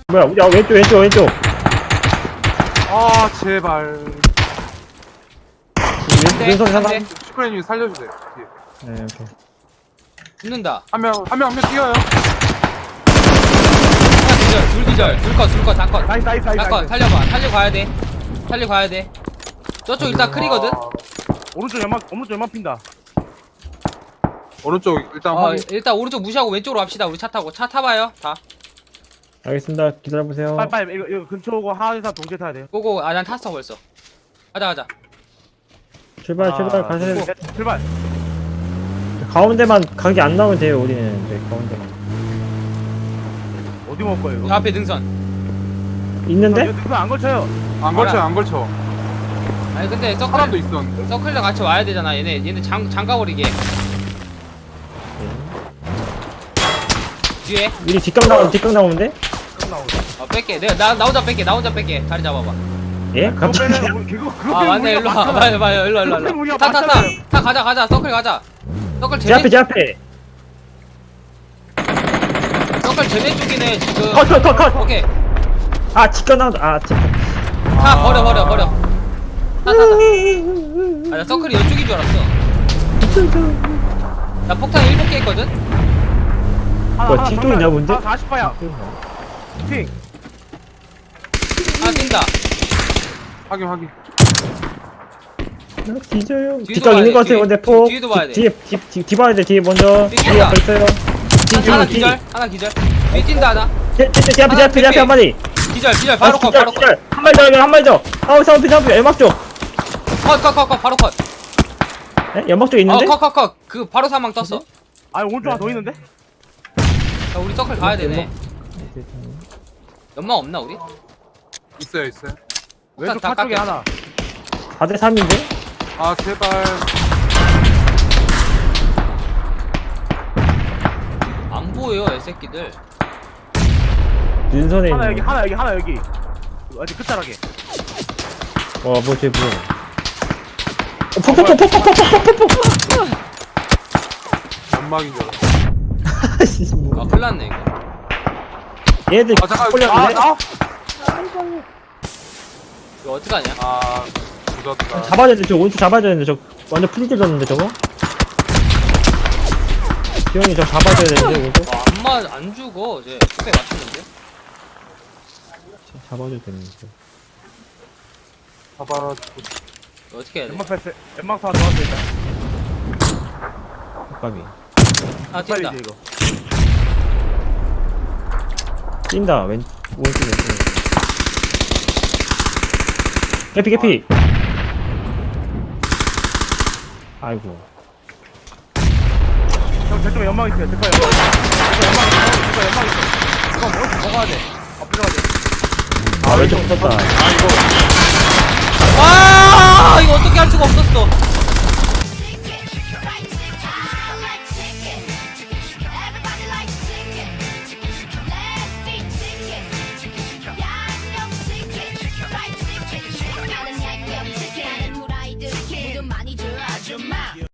뭐야, 야, 왼쪽. 아 제발. 왼손 하나. 네. 슈퍼맨님 살려주세요. 뒤에. 네, 오케이. 붙는다. 한 명 뛰어요. 하나 기절, 둘 기절, 둘 컷, 다 컷. 나이스. 다 컷, 살려봐. 살려 가야 돼. 저쪽 일단 크리거든? 아, 오른쪽 연막 핀다. 오른쪽 일단 확인. 일단 오른쪽 무시하고 왼쪽으로 갑시다. 우리 차 타고. 차 타봐요, 다. 알겠습니다. 기다려보세요. 빨리 이거 근처 오고 하나에서 동시에 타야 돼. 고고, 난 탔어 벌써. 가자. 출발, 아, 가세요. 출발. 가운데만 각이 안 나오면 돼요, 우리는. 네, 가운데만. 어디 먹을 거예요 저 이거? 앞에 능선. 있는데? 이거 안 걸쳐요. 안 걸쳐. 아니 근데 사람도 있었는데. 서클이랑 같이 와야 되잖아. 얘네 장가버리게. 뒤에. 우리 뒷각 나오는데? 뺄게. 나 혼자 뺄게. 자리 잡아봐. 예? 그거 갑자기? 빼면 그거 아 맞네. 일로 와. 봐요. 일로. 우리가 타. 맞잖아요. 가자. 서클 가자. 서클 제 앞에. 서클 제네 쪽이네 지금. 컷. 오케이. 아, 뒷각 나온다. 차 버려. 타. 나 서클이 이쪽인 줄 알았어. 나 폭탄 7개 했거든? 뭐야, 뒤쪽이냐, 뭔데? 40파야. 팅. 하나 뛴다. 확인. 나 뒤져요. 뒤도 뒷각 봐야 있는 돼, 것 같아요, 뒤에. 근데 폭. 뒤에도 봐야 돼. 뒤 봐야 돼, 뒤에 먼저. 뒤에 뒤에 앞에 있어요. 하나 기절. 뒤에 뛴다 하나. 제 앞에 한 마리. 기절. 바로 컷. 한 마리 더. 사운드, 연막 쪽. 컷. 바로 컷. 네? 연막 쪽 있는데? 컷. 그 바로 사망 떴어. 아 오른쪽 하나 더 있는데? 자, 우리 서클 가야 되네. 연막 없나 우리? 있어요. 왼쪽 다 차 쪽에 깎여. 하나. 4대 3인데? 아 제발. 안 보여 이 새끼들. 눈선에 하나 있는 여기 하나 여기. 어디 끝자락에. 와, 쟤 뭐야. 연막인 줄 알았어. 아 큰일났네 이거. 얘들 아, 잠깐. 홀렸는데? 이거 어떡하냐? 아 늦었다. 잡아야 되는데, 저 오른쪽 잡아야 되는데, 저 완전 프리즈 졌는데, 저거? 기영이 저 잡아줘야 되는데, 오른쪽? 안 죽어 이제. 뚝배 맞추는데? 잡아줘야 되는데. 잡아라. 이거 어떻게 해야 돼? 연막 패스. 연막 하나 더 왔어 일단. 까비. 하나 뛴다. 빨리지 이거. 뛴다, 오른쪽에. 개피. 아이고. 형 저쪽에 연막 있어요. 저거 연막 있어. 이거 먹어야 돼. 엎드려야 돼. 아, 왼쪽 붙었다. 아 이거 어떻게 할 수가 없었어.